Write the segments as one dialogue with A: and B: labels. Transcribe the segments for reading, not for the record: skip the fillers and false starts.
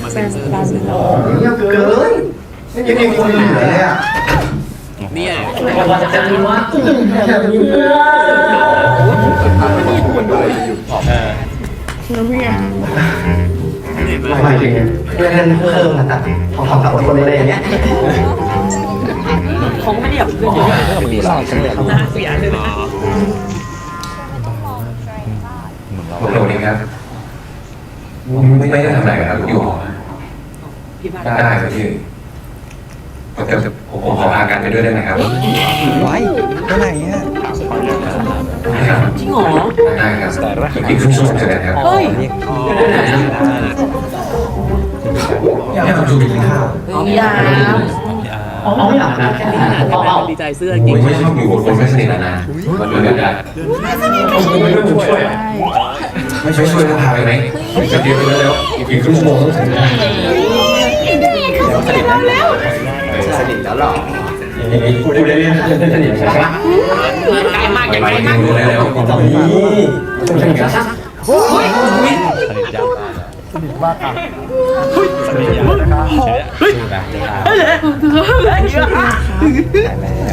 A: แฟนดัน
B: เงียบเกินยังมีคนอยู่เลยอ่ะ
C: เนี่ย
B: จะมีว่าแบบนี้เพื่อน
A: แล้วพี่อ่ะ
B: หมายถึงเพื่อนเพิ่มมาตัดของสามคนอะไรอย่างเงี้ย
D: คงไม่ได้แบบเพื่อนเยอะมีหลายคนเลยนะเสียเลยนะ
E: ผมโดนเองครับไม่ได้ทำอะไรครับอยู่หอได้ครับพี่แต่ผมขอพากันไปด้วยได้ไหมครับ
F: ไว้ไปไหนอ่ะ
D: จริงเหรอ
E: ได้ครับอีกครึ่งชั่วโมงเสร็จแล้วครับ
D: เฮ้ย
E: อยากทำดูกินข้าว
D: ยา
B: ไม่อาบนะ
D: ดีใจเสื้อจริง
E: ไม่ชอบอยู่กับคนไม่สนิทนะมันเดือดได้ไม่ช่วยพาไปไหมจะเดียวไปแล้วอีกครึ่งชั่วโมงต้องถึง
B: สนิทแล้วสนิทแล้วหรอพูดได้เรื่องสนิทใช่ไหม
D: ไกลมาก
E: ไป
D: ไกลมาก
E: รู้แล้ว
B: ตอนนี้ต้องสนิทกัน
F: แล้ว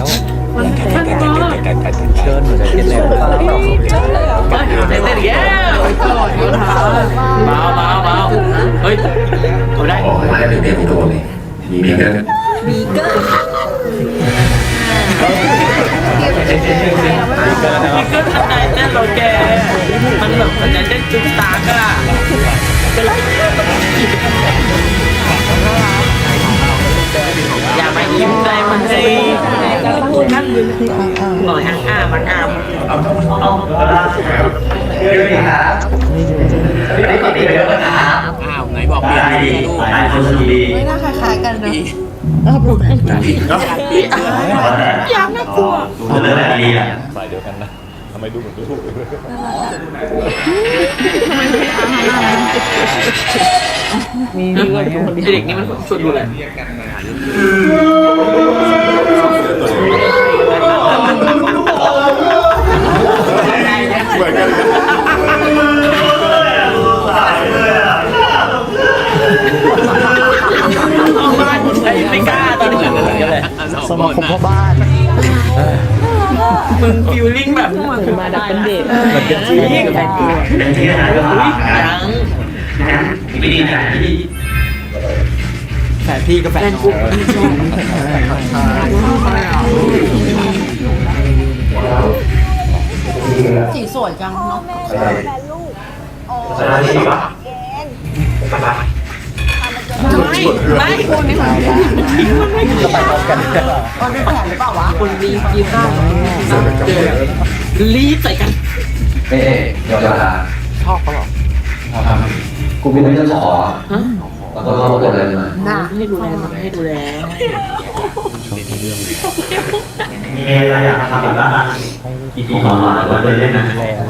F: เชิญหนูจะกินแล้ว
D: เต้นอีกแล้วมาเฮ้ยเอาได้
E: ออกมาได้เป็นเด็กตัวเลยมีกัน
D: นี่ก็ทำไงเต้นเราแกมันแบบมันจะเต้นจุ๊บตากอะเป็นไรอย่ามายิ้มใจมันสินั่งยืนหน่อยมันอ้าม
B: เดี๋ยวนี้ครับไม่ปฏิเสธนะครับ
C: อ้าวไหนบอกเปลี่ยนดีลูก
B: หลายคนดี
A: ไม่น่าคล้ายๆกันนะ
D: อยากน่ากลัว
B: จะเลิกแบบดีอ่ะ
D: เด็กนี่มันชวนดูเลยไม่กล้าตอนนี้เลย
F: สมาคมพ่อบ้าน
D: มึงฟิลลิ่งแบบมาได้เป็นเด็กเป็นที่กับแฟนกู
B: เป็นที่ไหนก็มา
D: ยัง
B: ไม่ดีใจที่
F: แฟนพี่กับแฟนน้อง
A: สีสวยจังเนาะ
B: สมาธิวะ
D: ไม่คนไม่มาจะไปพร้อมกันคนเป็นแผนหรือเปล่าวะคนรีบยืนข้างรีบใส่กัน
E: เอ๊ะเดี๋ยวจะชอบเขาหรอกูมีเรื่องขอแล้วก็เขาบอกอะไรมา
D: น่าให้ดูแลให้ดูแล
B: มีอะไรอยากทำอีกบ้างอีกทีก่อนเราเลยเล่นนะ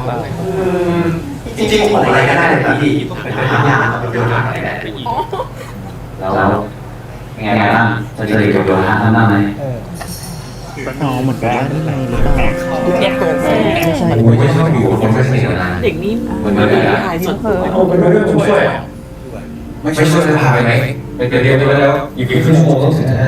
B: จริงๆผมอะไรก็ได้แต่ที่เป็นทำยากเป็นโยนอะไรได้แล้วไงบ้างจะเจอกับโยนทำได้ไหม
F: อ๋อเหมือนกับว่านี่ไงหรือเปล่า
D: แยกตัว
E: กูไม่ชอบอยู่กับคนไม่สนิทนะ
D: เด็กนี่
E: มันเดือดได้
D: ถ่ายสด
B: โอ้เป็นเรื่องช่วย
E: ไม่ช่วยพาไปไหมไปเดียวไปแล้วอีกครึ่งชั่วโมงต้องถึงนะ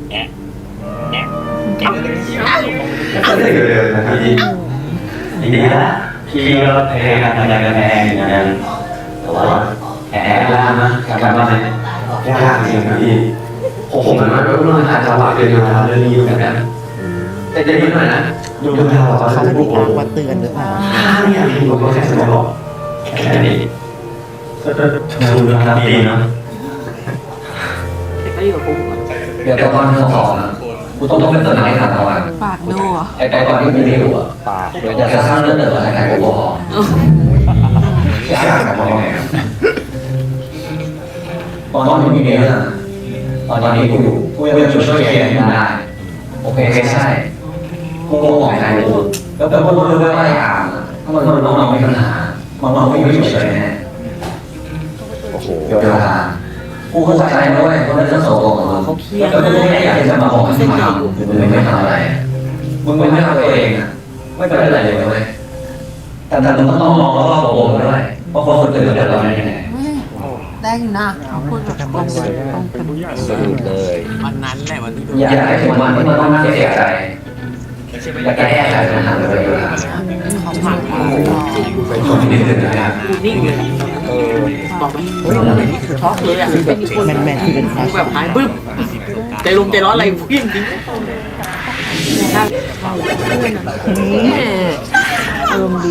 B: ก็ได้เร็วๆนะพี่ดีละพี่ก็พยายามทำงานกันแองอย่างนั้นแต่ว่าแอบยากนะการบ้านเนี่ยยากจริงนะพี่ผมมันก็ต้องหาจังหวะเดินทางเรื่องนี้อยู่เหมือนกันแต่จะนิดหน่อยนะดูทางเรา
F: เขา
B: เขา
F: ไม่
B: จะ
F: ได้
B: พูด
F: ทางวัดเตือนหรือเปล่า
B: เนี่ยพี่ผมก็แค่สมองแค่นี้ก็ดูทางดีนะ
D: เด็กก็อยู่กับกู
E: เดี๋ยวตอนที่สองนะกูต้องเป็นตัวไหนทำตอน
A: ปากดูอ่ะ
E: ไอ้ตอนที่ไม่ได้อยู่อ่ะ
F: ปากเลย
E: อยากจะสร้างเรื่องเดิมอะไรใครก็บอกยากแบบมองไงตอนที่มีเรื่องตอนนี้กูยังช่วยแกได้โอเคใช่กูมองใครกูแล้วกูรู้ว่าอะไรอ่ะถ้ามันน้องมีปัญหามันไม่อยู่เฉยแน่โอ้โหเดี๋ยวกูเข้าใจด้วยว่าเรื่องโซ่ของมึง
D: เขาเครียด
E: แล้วกูไม่อยากจะมาบอกให้มึงทำมึงไม่ทำอะไรมึงไม่ทำตัวเองอ่ะไม่เป็นไรเลยเว้ยแต่มึงต้องมองรอบๆวงด้วยว่าคนอื่นเดือดร้อนยังไง
A: ได้อยู่นะเขาพูดแบบตรงเลยตรงกัน
E: สรุปเลย
C: วันนั้นแหละวันที่ดู
E: อย่าให้ถึงวันที่มันต้องเสียใจและแก้ไขปัญหาเลยดีกว่า
A: เขาหมักมา
E: คนที่เดือดร้อน
D: นิ่งเลยบอกไหมช็อกเลยอ่ะ
F: แมนคือเป็นคลาส
D: แบบหายบึ้มใจลมใจร้อนอะไรวิ่งจริง
A: อารมณ์ดี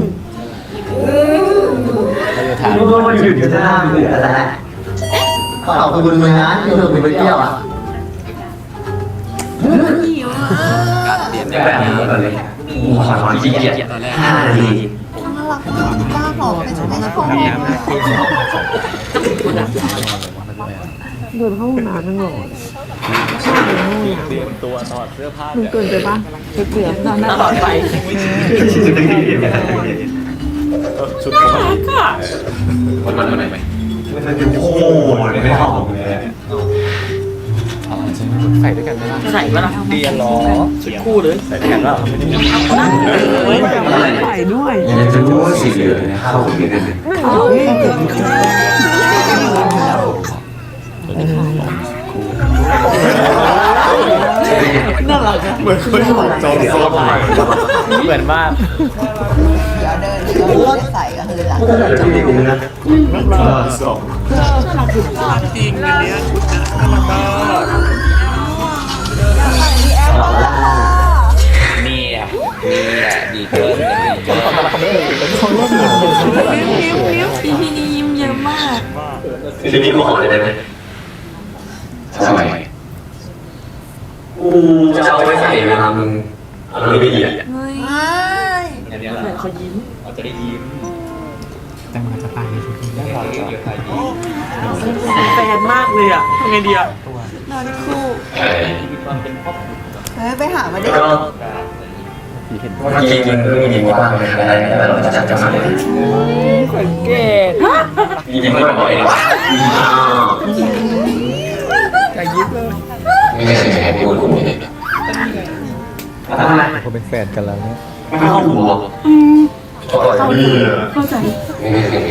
B: รู้ว่ามันหยุดอยู่ที่หน้าเบื่อแล้วขอบคุณมึงนะที่เราไปเที่ยวอ่ะ
A: หิวอ่ะ
E: แบบนี้เลยขอขี้เกียจ5 นาที
A: น่ารักมากป้าบอกเป็นไม่ใช่ของเดินเข้าห้องน้ำนั่งหล่อเตรียมตัวถอดเสื้อผ้ามึงเกินไปปะเกือบตอนนั้น
D: ตลอดไป
B: ชุดมันไหมโอ้โหไม่เข้าผมเลย
F: ใส่ด้วยกันไหมล่ะ
D: ใส่ปะล่ะเดียนหรอชุดคู่เลยใส่กันแล้ว
A: ใส่ด้วย
E: อยากจะรู้ว่าสีเหลืองเนี่ยเข้ากับเดือน
A: น่ารักอะ
B: เหมือนคนจองโซนใหม่
F: เหมือนมาก
A: เดี๋ยวเดินก็ใส่ก็คือหลัง
B: จะมีกูนะสอง
C: จริงอันเนี้ยชุดนะน่ารักมาก
E: นี่อ่ะดีเกินดีเกิน
A: นิ้วทีนี้ยิ้มเยอะมาก
B: ทีนี้กูขอเลยได้ไหม
E: ทำไม
B: กูจะเอาไปใส่เวลามึงอะไรไม่ดีอ่ะ
A: เฮ้ย
D: เขายิ้ม
F: แต่มันจะตายในชุดนี้ได้
D: แฟนมากเลยอ่ะทำไงดีอ่ะ
A: นอนคู่
B: เฮ้ย
A: เฮ้ยไปหามาดิ
B: ก็เมื่อกี้มึงมีบ้างไหมอะไรแต่เราจะจัดมาเลย
D: สังเกต
B: ยิ้มไม่บ่อยเลย
D: จะยิ้มเลย
E: ไม่เคยให้พูดกูเลย
B: ทำไม
F: เขาเป็นแฟนกันแล้วเนี่ย
B: ไม่เข้าหัวเข้าดี
A: เข้าใจ
E: ไม่เคย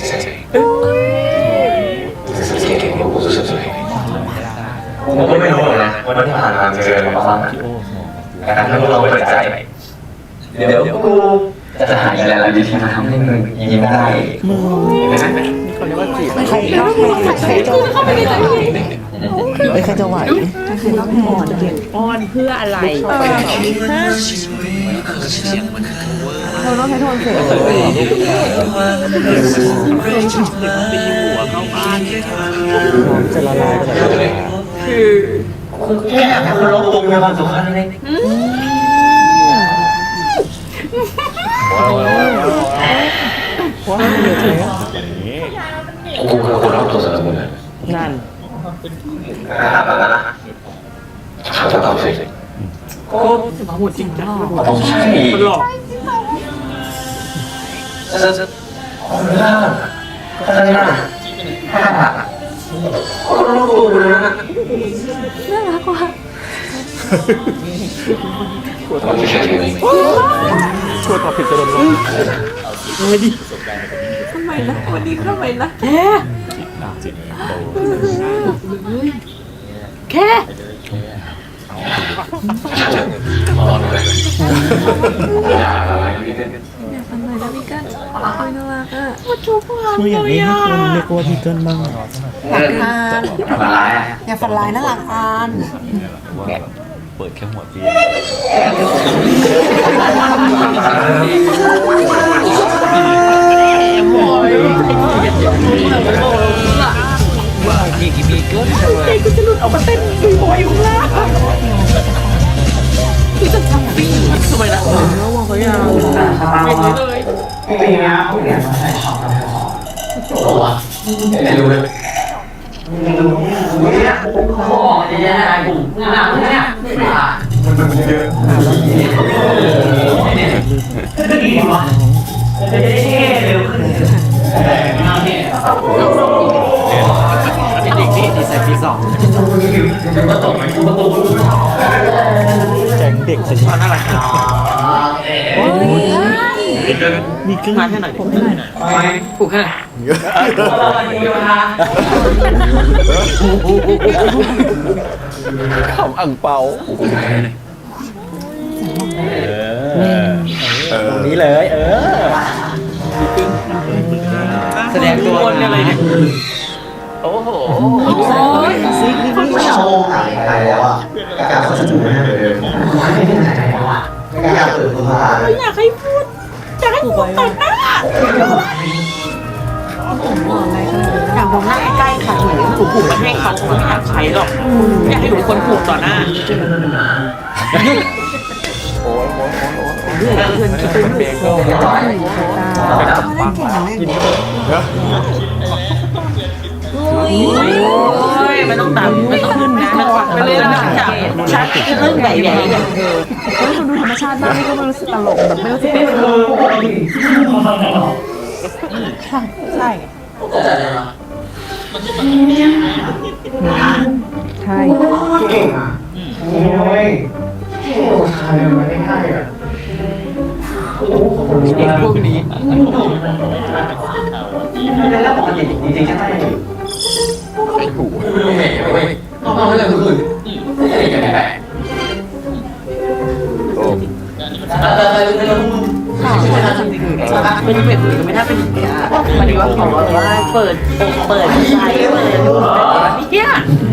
E: ผมก็ไม่รู้นะวันที่ผ่านมาเจออะไรบ้างแต่ถ้าเราเปิดใจเดี๋ยวกูจะหาอะไรดีที่มาทำให้มึงยิ้มได้
F: เขาเรียกว่าจีบใครใครจะไหว
D: อ้อนเพื่ออะไร
A: เราต้องใช้โทนเสียง
C: ตีหัวเข้าบ้าน
F: จะละลายไปเลย
D: คือ
B: แค่คนเราตรงมีความสุขแค่นั้นเอง
F: ว้าวเยอะเลย
E: กูคือคนรอบตัวสำหรับมึง
D: นั่น
E: เขาจะตอบสิ
D: โอ้มาหมดจริงจัง
E: ต้องใช่
D: มันหลอก
E: คนล่าคนล่าคนรอบตัวเลยนะ
A: น่ารักว่ะ
E: คนที่ใช่ไหม
F: ช่วยตอบผิดจะโดนลง
A: ทำไมนะวันนี้ทำไมนะ
D: แค่
E: ตอนเลยอย่าอะไรนี่
A: ทำไมนะพี่กันโอ้ยน่ารักอ่ะมาจูบกัน
F: คืออย่างนี้ให้คนเรียกว่าพี่เกินบ้าง
A: หลักอาน
E: มาร้าย
A: อย่าฝันร้ายนะหลักอาน
F: เปิดแค่หัวปี
D: ใจกูจะหลุดออกมาเต้นบอยอยู่ข้างล่างคือจะทำวิ่งทำไมล่ะระวังเขายาวไม่เลย
B: ไม่งาผู้เรียนมาใส่ช็อปแล้วตัวไม่รู้เลยเนี่ยเขาบอกจะยังไงผมงานเนี่ยมันเยอะก็ดีวะจะได้เร็วขึ้นงานเนี่ย
C: เป็นเด็กดีที่ใส่ปีสอง
F: แก๊งเด็กจะ
C: น่ารัก
A: โอ้ย
D: มาแค่ไหนผมให้หน่อยผูกแค่ไหน
F: ขำอ่างเปาตรงนี้เลย
D: แสดงตัวอะไรเนี่ยโอ้โห
B: ไม่เอาหายไปแล้วอ่ะการเขาจะดูไม่ได้เลยไม่ได้หายไปแล้วอ่ะไม่อยากเปิดตัวมา
D: อยากให้พูดอยากให้พูดต่อหน้าอยากมองหน้าใกล้ๆค่ะผูกมาให้เขาไม่อยากใช้หรอกอยากให้ทุกคนผูกต่อหน้าเพื่อนคิดเป็นเบงก็ไม่ต้องตามไม่ต้องขึ้นนะไปเลยนะชัดคือเรื่องใหญ่ๆอย่างเธอ
A: คนดูธรรมชาติมากนี่ก็ไม่รู้สึกตลกแบบไม่รู้สึกเป็นใช่ใช่
B: เก่งอ่ะโอ้ยทำไมมันไม่ได้อ่ะ
D: พวกนี้
B: แล้วปกติจริงๆใช่ไหมต้องเรื่องอื่น
D: เป็นแบบนี้ไม่น่าเป็นอย่างนี้มันดีว่าขอว่าเปิดใจเปิดเนี่ย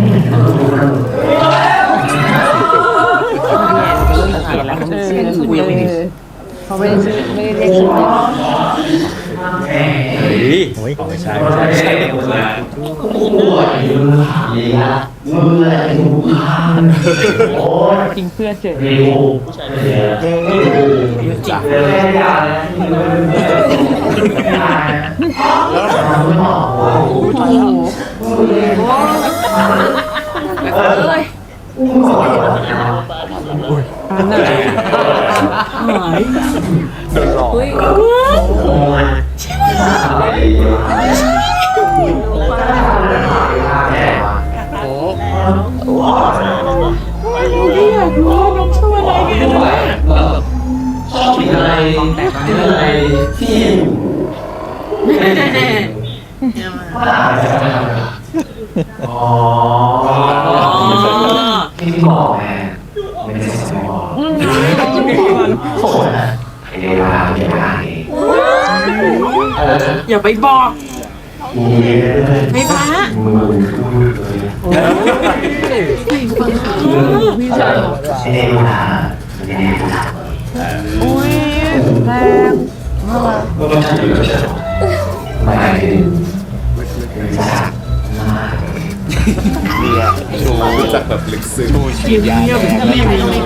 A: เขาไม่ได้เรียกชื่อ
F: ไม่ใช่
B: ดีละมืออะไรเป็นมือโอ้ย
A: จริงเพื่อนเจอ
B: ดีผู้ชายดีจ้ะยา
F: โดนหลอก
B: ชอบกินอะไรที่อ๋อที่บอกแม่ไม่ได้สมองโอ้ยไอ้เวลาเวลา
D: อย่าไปบอกไม่ฟ้า
B: พี่ชายเอเวลา
A: อุ้ยแรง
B: ไม่
F: รู้จักแบบลึกซึ้ง
D: เยี่ยม